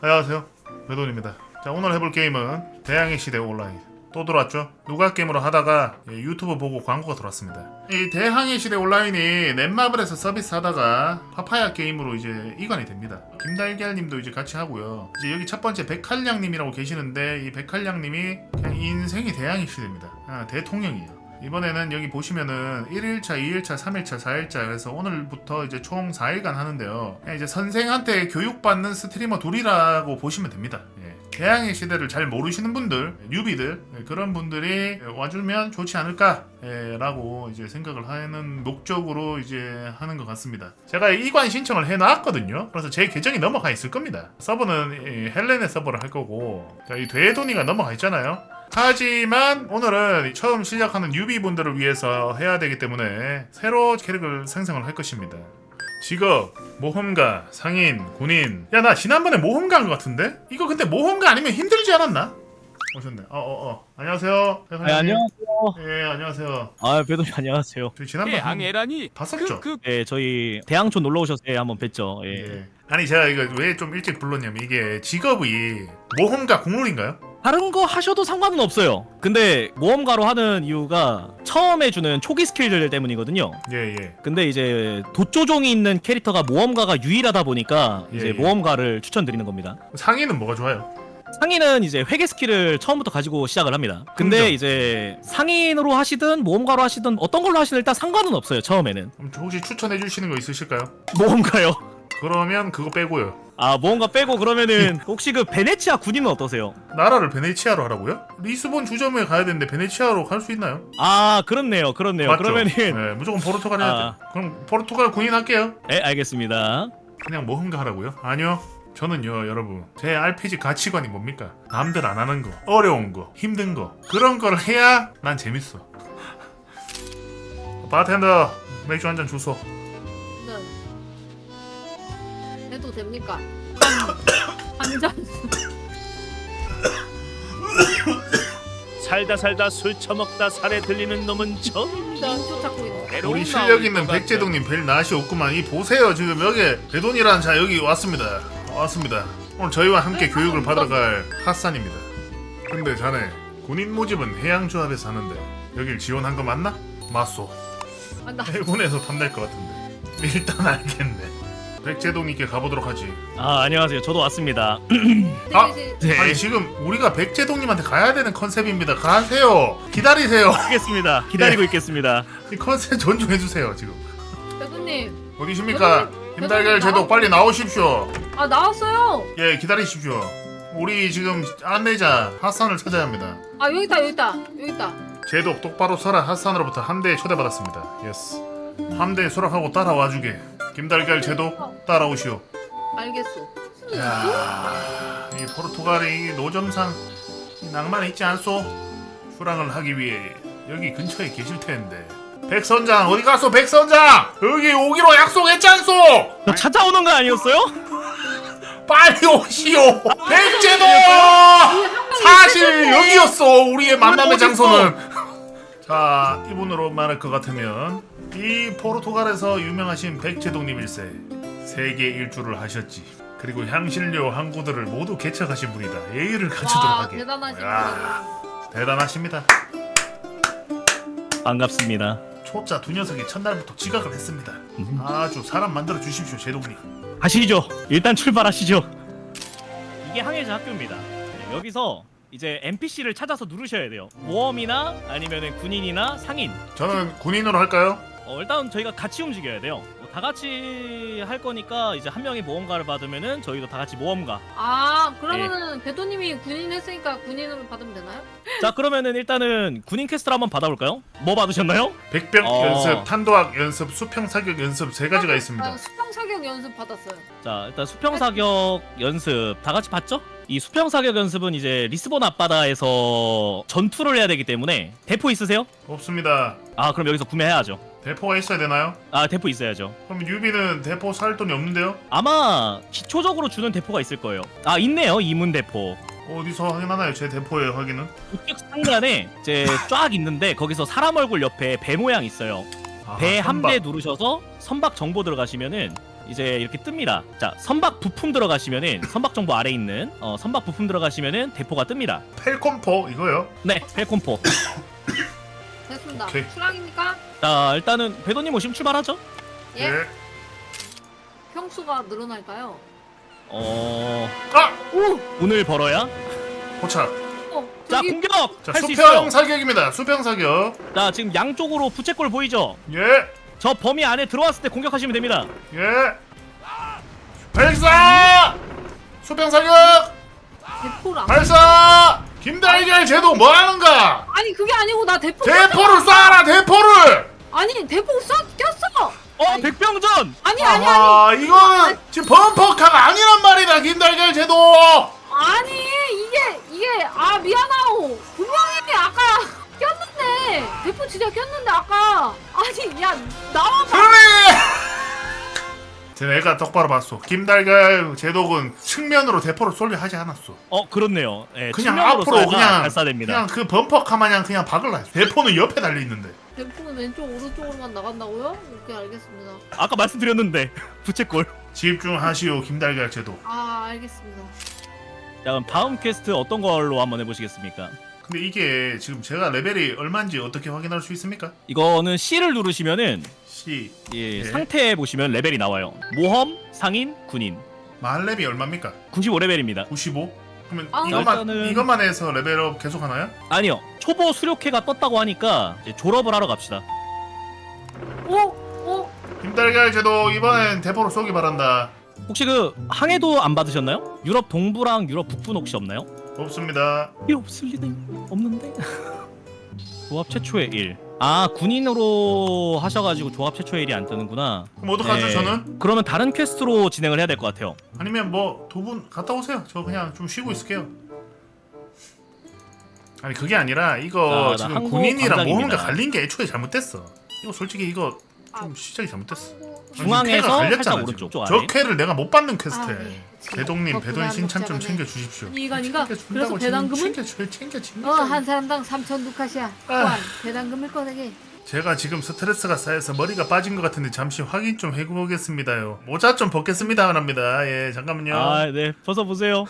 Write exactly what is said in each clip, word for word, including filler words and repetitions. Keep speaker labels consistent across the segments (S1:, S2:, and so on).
S1: 안녕하세요, 배돈입니다. 자, 오늘 해볼 게임은 대항해 시대 온라인. 또 들어왔죠? 누가 게임으로 하다가 예, 유튜브 보고 광고가 들어왔습니다. 이 대항해 시대 온라인이 넷마블에서 서비스 하다가 파파야 게임으로 이제 이관이 됩니다. 김달걀님도 이제 같이 하고요. 이제 여기 첫 번째 백할량님이라고 계시는데, 이 백할량님이 그냥 인생이 대항해 시대입니다. 아, 대통령이에요. 이번에는 여기 보시면은 일 일차, 이 일차, 삼 일차, 사 일차 그래서 오늘부터 이제 총 사 일간 하는데요. 이제 선생한테 교육받는 스트리머 둘이라고 보시면 됩니다. 예. 대항해 시대를 잘 모르시는 분들, 뉴비들 예, 그런 분들이 와주면 좋지 않을까 예, 라고 이제 생각을 하는 목적으로 이제 하는 것 같습니다. 제가 이관 신청을 해놨거든요. 그래서 제 계정이 넘어가 있을 겁니다. 서버는 이 헬렌의 서버를 할 거고, 자, 이 되돈이가 넘어가 있잖아요. 하지만 오늘은 처음 시작하는 뉴비분들을 위해서 해야 되기 때문에 새로 캐릭을 생성을 할 것입니다. 직업, 모험가, 상인, 군인. 야, 나 지난번에 모험가인 것 같은데? 이거 근데 모험가 아니면 힘들지 않았나? 오셨네. 어어어. 어, 어. 안녕하세요.
S2: 네, 안녕하세요.
S1: 예, 안녕하세요.
S2: 아, 배도님 안녕하세요.
S1: 저희 지난번에
S3: 대항해라니
S1: 봤었죠?
S3: 그, 그...
S2: 예, 저희 대항촌 놀러 오셨을 때 한번 뵀죠. 예.
S1: 예. 아니, 제가 이거 왜 좀 일찍 불렀냐면, 이게 직업이 모험가 공룰인가요?
S2: 다른 거 하셔도 상관은 없어요. 근데 모험가로 하는 이유가 처음에 주는 초기 스킬들 때문이거든요.
S1: 예, 예.
S2: 근데 이제 도조종이 있는 캐릭터가 모험가가 유일하다 보니까
S1: 예,
S2: 이제
S1: 예.
S2: 모험가를 추천드리는 겁니다.
S1: 상인은 뭐가 좋아요?
S2: 상인은 이제 회계 스킬을 처음부터 가지고 시작을 합니다. 근데
S1: 그렇죠.
S2: 이제 상인으로 하시든 모험가로 하시든 어떤 걸로 하시든 일단 상관은 없어요. 처음에는.
S1: 그럼 혹시 추천해 주시는 거 있으실까요?
S2: 모험가요.
S1: 그러면 그거 빼고요.
S2: 아, 모험가 빼고 그러면은 혹시 그 베네치아 군인은 어떠세요?
S1: 나라를 베네치아로 하라고요? 리스본 주점에 가야 되는데 베네치아로 갈 수 있나요?
S2: 아, 그렇네요. 그렇네요.
S1: 맞죠?
S2: 그러면은
S1: 네, 무조건 포르투갈 해야
S2: 아.
S1: 돼. 그럼 포르투갈 군인 할게요.
S2: 네, 알겠습니다.
S1: 그냥 모험가 하라고요? 아니요. 저는요, 여러분, 제 알피지 가치관이 뭡니까? 남들 안 하는 거, 어려운 거, 힘든 거, 그런 걸 해야 난 재밌어. 바텐더, 맥주 한 잔 주소.
S4: 네. 해도 됩니까? 한 잔.
S5: 살다 살다 술 처먹다 살에 들리는 놈은 처음입니다.
S4: 인조 찾고 있는.
S1: 우리 실력 있는 백제동님 별 낯이 없구만. 이 보세요, 지금 여기 배돈이란 자 여기 왔습니다. 왔습니다. 오늘 저희와 함께
S4: 네,
S1: 교육을
S4: 아,
S1: 받으러 갈 핫산입니다. 근데 자네 군인 모집은 해양조합에서 하는데 여길 지원한 거 맞나? 맞소.
S4: 아, 나
S1: 해군에서 탐낼 것 같은데. 일단 알겠네. 백제동님께 가보도록 하지.
S2: 아, 안녕하세요. 저도 왔습니다.
S1: 아!
S4: 이제
S2: 네.
S1: 아니, 지금 우리가 백제동님한테 가야 되는 컨셉입니다. 가세요. 기다리세요.
S2: 알겠습니다. 기다리고
S1: 네.
S2: 있겠습니다.
S1: 이 컨셉 존중해주세요. 지금
S4: 대표님.
S1: 어디십니까?
S4: 배돈님,
S1: 김달걀
S4: 배돈님
S1: 제독 빨리 나오십시오.
S4: 아, 나왔어요.
S1: 예, 기다리십시오. 우리 지금 안내자 핫산을 찾아야 합니다.
S4: 아, 여기 있다, 여기 있다, 여기 있다.
S1: 제독 똑바로 서라. 핫산으로부터 함대에 초대받았습니다. 예스. 함대에 수락하고 따라와주게. 김달걀 제독 따라오시오.
S4: 알겠소.
S1: 야, 이 포르투갈의 이 노점상 이 낭만이 있지 않소? 수락을 하기 위해 여기 근처에 계실 텐데. 백선장 어디 갔소? 백선장 여기 오기로 약속했지 않소?
S2: 저 찾아오는 거 아니었어요?
S1: 빨리 오시오. 백제도 사실 여기였어. 우리의 만남의 장소는. 자, 이분으로 말할 것 같으면 이 포르투갈에서 유명하신 백제동님일세. 세계 일주를 하셨지. 그리고 향신료 항구들을 모두 개척하신 분이다. 예의를 갖추도록
S4: 와,
S1: 하게.
S4: 대단하신
S1: 야, 대단하십니다.
S2: 반갑습니다.
S1: 초짜 두 녀석이 첫날부터 지각을 했습니다. 아주 사람 만들어 주십시오, 제동님.
S2: 가시죠. 일단 출발하시죠. 이게 항해자 학교입니다. 네, 여기서 이제 엔피씨를 찾아서 누르셔야 돼요. 모험이나 아니면은 군인이나 상인.
S1: 저는 군인으로 할까요?
S2: 어, 일단 저희가 같이 움직여야 돼요. 뭐 다 같이 할 거니까 이제 한 명이 모험가를 받으면은 저희도 다 같이 모험가.
S4: 아, 그러면은 배도님이 군인 했으니까 군인으로 받으면 되나요?
S2: 자, 그러면은 일단은 군인 퀘스트를 한번 받아볼까요? 뭐 받으셨나요?
S1: 백병
S2: 어.
S1: 연습, 탄도학 연습, 수평 사격 연습 세 가지가
S4: 아,
S1: 있습니다.
S4: 수평 사격 연습 받았어요.
S2: 자, 일단 수평 사격 연습 다 같이 봤죠? 이 수평 사격 연습은 이제 리스본 앞바다에서 전투를 해야 되기 때문에 대포 있으세요?
S1: 없습니다.
S2: 아, 그럼 여기서 구매해야죠.
S1: 대포가 있어야 되나요?
S2: 아, 대포 있어야죠.
S1: 그럼 유비는 대포 살 돈이 없는데요?
S2: 아마 기초적으로 주는 대포가 있을 거예요. 아, 있네요. 이문 대포.
S1: 어디서 확인하나요? 제 대포의 확인은?
S2: 우측 상단에 이제 쫙 있는데 거기서 사람 얼굴 옆에 배 모양 있어요.
S1: 아,
S2: 배 한
S1: 선박.
S2: 배 누르셔서 선박 정보 들어가시면은 이제 이렇게 뜹니다. 자, 선박 부품 들어가시면은 선박 정보 아래 있는 어, 선박 부품 들어가시면은 대포가 뜹니다.
S1: 펠콤포 이거요?
S2: 네, 펠콤포.
S4: 됐습니다.
S1: 오케이.
S4: 출항입니까?
S2: 자, 일단은 배도님 오시면 출발하죠.
S4: 예.
S1: 네.
S4: 평수가 늘어날까요?
S2: 어,
S1: 아!
S4: 오!
S2: 오늘 벌어야.
S1: 포착.
S4: 어,
S2: 자,
S4: 저기
S2: 공격
S1: 자
S2: 할 수
S1: 수평
S2: 있어요.
S1: 사격입니다. 수평 사격.
S2: 자, 지금 양쪽으로 부채꼴 보이죠?
S1: 예.
S2: 저 범위 안에 들어왔을 때 공격하시면 됩니다.
S1: 예. 발사! 수평 사격!
S4: 대포를 안
S1: 발사! 김달걀 제도 뭐 하는가?
S4: 아니 그게 아니고 나 대포
S1: 대포를 쏴라 대포를!
S4: 아니 대포 쏴 꼈어.
S2: 어,
S4: 아니,
S2: 백병전.
S4: 아니 아니 아니
S1: 아하, 이거는 지금 범퍼카가 아니란 말이다 김달걀 제도!
S4: 아니 이게 이게 아 미안하오 분명히 아까 꼈는데 대포 진짜 꼈는데 아까 아니 야 나와봐.
S1: 그래! 내가 똑바로 봤어. 김달걀 제독은 측면으로 대포를 쏠려 하지 않았어.
S2: 어, 그렇네요. 예,
S1: 그냥
S2: 측면으로
S1: 앞으로
S2: 쏴야
S1: 그냥
S2: 발사됩니다.
S1: 그냥 그 범퍼카 마냥 그냥 박을라 했어. 대포는 옆에 달려 있는데.
S4: 대포는 왼쪽 오른쪽으로만 나간다고요? 오케이 알겠습니다.
S2: 아까 말씀드렸는데 부채꼴.
S1: 집중하시오 김달걀 제독.
S4: 아 알겠습니다.
S2: 자, 그럼 다음 퀘스트 어떤 걸로 한번 해보시겠습니까?
S1: 근데 이게 지금 제가 레벨이 얼마인지 어떻게 확인할 수 있습니까?
S2: 이거는 C를 누르시면은
S1: C
S2: 예,
S1: 네.
S2: 상태 보시면 레벨이 나와요. 모험, 상인, 군인.
S1: 만렙이 얼마입니까?
S2: 구십오 레벨입니다.
S1: 구십오? 그러면
S4: 아,
S1: 이것만
S2: 일단은-
S1: 이것만 해서 레벨업 계속 하나요?
S2: 아니요. 초보 수료회가 떴다고 하니까 이제 졸업을 하러 갑시다.
S4: 오 오.
S1: 김달걀 제독 이번엔 대포로 쏘기 바란다.
S2: 혹시 그 항해도 안 받으셨나요? 유럽 동부랑 유럽 북부는 혹시 없나요?
S1: 없습니다.
S2: 이 없을 리는 없는데. 조합 최초의 일. 아, 군인으로 하셔가지고 조합 최초의 일이 안 뜨는구나.
S1: 그럼 어떡하죠
S2: 네.
S1: 저는?
S2: 그러면 다른 퀘스트로 진행을 해야 될 것 같아요.
S1: 아니면 뭐 두 분 갔다 오세요. 저 그냥 좀 쉬고 있을게요. 아니 그게 아니라 이거
S2: 자, 나
S1: 지금
S2: 항구
S1: 군인이랑
S2: 광장입니다.
S1: 모험가 갈린 게 애초에 잘못됐어. 이거 솔직히 이거 좀
S4: 아.
S1: 시작이 잘못됐어.
S4: 아이고.
S1: 아니,
S2: 중앙에서
S1: 쾌가 갈렸잖아,
S2: 살짝
S1: 지금.
S2: 오른쪽 쪽
S1: 저
S2: 아래.
S1: 쾌를 내가 못 받는 퀘스트에.
S4: 아, 네.
S1: 배동님
S4: 덕분에
S1: 배돈 신참 좀
S4: 먹자가네.
S1: 챙겨 주십시오.
S4: 이거 아닌가?
S1: 챙겨준다고
S4: 그래서
S1: 지금
S4: 배당금은?
S1: 챙겨 챙겨 챙겨.
S4: 어 한 사람당 삼천 두카시야.
S1: 아.
S4: 또한 배당금을 꺼내게.
S1: 제가 지금 스트레스가 쌓여서 머리가 빠진 것 같은데 잠시 확인 좀 해보겠습니다요. 모자 좀 벗겠습니다 합니다. 예 잠깐만요.
S2: 아, 네. 벗어 보세요.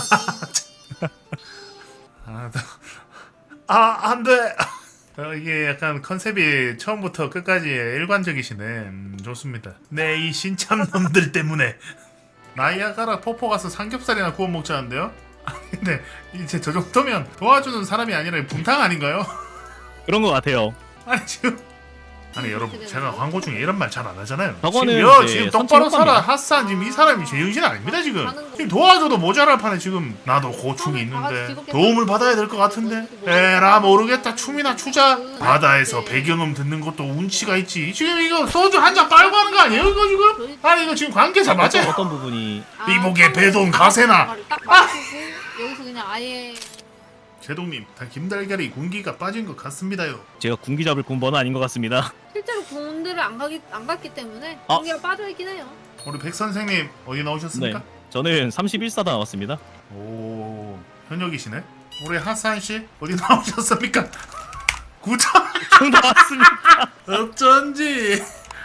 S1: 아, 아 안돼. 어, 이게 약간 컨셉이 처음부터 끝까지 일관적이시네. 음, 좋습니다. 네 이 신참 놈들 때문에 나이아가라 폭포 가서 삼겹살이나 구워 먹자는데요. 아, 근데 이제 저 정도면 도와주는 사람이 아니라 분탕 아닌가요?
S2: 그런 것 같아요.
S1: 아니 지금 아니 여러분 제가 광고 중에 이런 말 잘 안 하잖아요.
S2: 저거는
S1: 지금 여
S2: 이제
S1: 지금 똑바로
S2: 선체
S1: 살아
S2: 효과입니다.
S1: 핫산 지금 이 사람이 제정신 아닙니다 지금.
S4: 가는 거.
S1: 지금 도와줘도 모자랄 판에 지금 나도 고충이 있는데 도움을 받아야 될 것 같은데 에라 모르겠다 춤이나 추자. 바다에서 배경음 듣는 것도 운치가 있지. 지금 이거 소주 한 잔 빨고 하는 거 아니에요 이거 지금? 아니 이거 지금 관계자 맞아요?
S2: 어떤 부분이
S4: 아,
S1: 이복의 배돈 가세나.
S4: 딱 맞추고 여기서 그냥 아예
S1: 제동님 다 김달걀이 군기가 빠진 것 같습니다요.
S2: 제가 군기 잡을 군번은 아닌 것 같습니다.
S4: 실제로 군대를 안 가기 안 갔기 때문에
S2: 어?
S4: 군기가 빠져 있긴 해요.
S1: 우리 백 선생님 어디 나오셨습니까?
S2: 네. 저는 삼십일 사다 나왔습니다.
S1: 오 현역이시네. 우리 하산 씨 어디 나오셨습니까? 구청
S2: 총 나왔습니다.
S1: 어쩐지.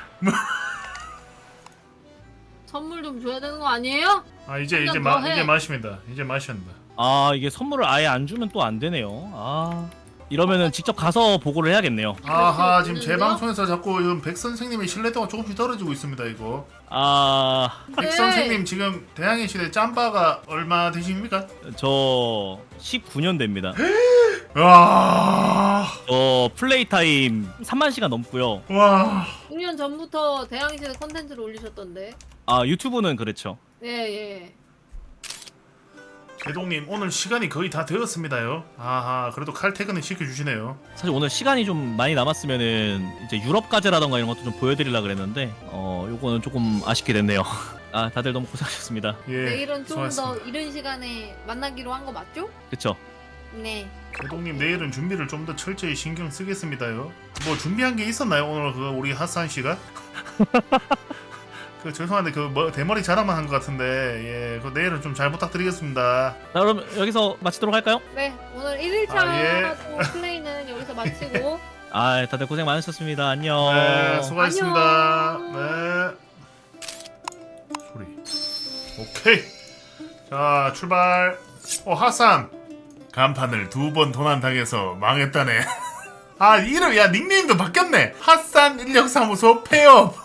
S4: 선물 좀 줘야 되는 거 아니에요?
S1: 아 이제
S4: 한잔
S1: 이제
S4: 더
S1: 마
S4: 해.
S1: 이제 마십니다. 이제 마신다.
S2: 아, 이게 선물을 아예 안 주면 또 안 되네요. 아, 이러면은 직접 가서 보고를 해야겠네요.
S1: 아하 지금 제
S4: 있는데요?
S1: 방송에서 자꾸 이건 백 선생님의 신뢰도가 조금씩 떨어지고 있습니다 이거.
S2: 아,
S1: 백
S4: 네.
S1: 선생님 지금 대항해 시대 짬바가 얼마 되십니까?
S2: 저 십구 년 됩니다.
S1: 와.
S2: 저 플레이 타임 삼만 시간 넘고요.
S1: 와.
S4: 육 년 전부터 대항시대 컨텐츠를 올리셨던데.
S2: 아, 유튜브는 그렇죠.
S4: 예 예.
S1: 제동님 오늘 시간이 거의 다 되었습니다요. 아하 그래도 칼퇴근을 시켜주시네요.
S2: 사실 오늘 시간이 좀 많이 남았으면은 이제 유럽 과제라던가 이런 것도 좀 보여드리려고 그랬는데 어 요거는 조금 아쉽게 됐네요. 아, 다들 너무 고생하셨습니다.
S1: 예.
S4: 내일은 좀 더
S1: 수고하셨습니다.
S4: 이른 시간에 만나기로 한 거 맞죠?
S2: 그쵸?
S4: 네.
S1: 제동님 내일은 준비를 좀 더 철저히 신경 쓰겠습니다요. 뭐 준비한 게 있었나요 오늘 그 우리 하산 씨가? 그 죄송한데 그 뭐, 대머리 자랑만 한 것 같은데 예, 그 내일은 좀 잘 부탁드리겠습니다.
S2: 자, 그럼 여기서 마치도록 할까요?
S4: 네 오늘 일 일차
S1: 아, 예.
S4: 플레이는 여기서 마치고
S2: 아, 다들 고생 많으셨습니다. 안녕.
S1: 네, 수고하셨습니다.
S4: 안녕.
S1: 네. 오케이. 자 출발. 어 하산. 간판을 두 번 도난당해서 망했다네. 아 이름 야 닉네임도 바뀌었네. 핫산 인력사무소 폐업.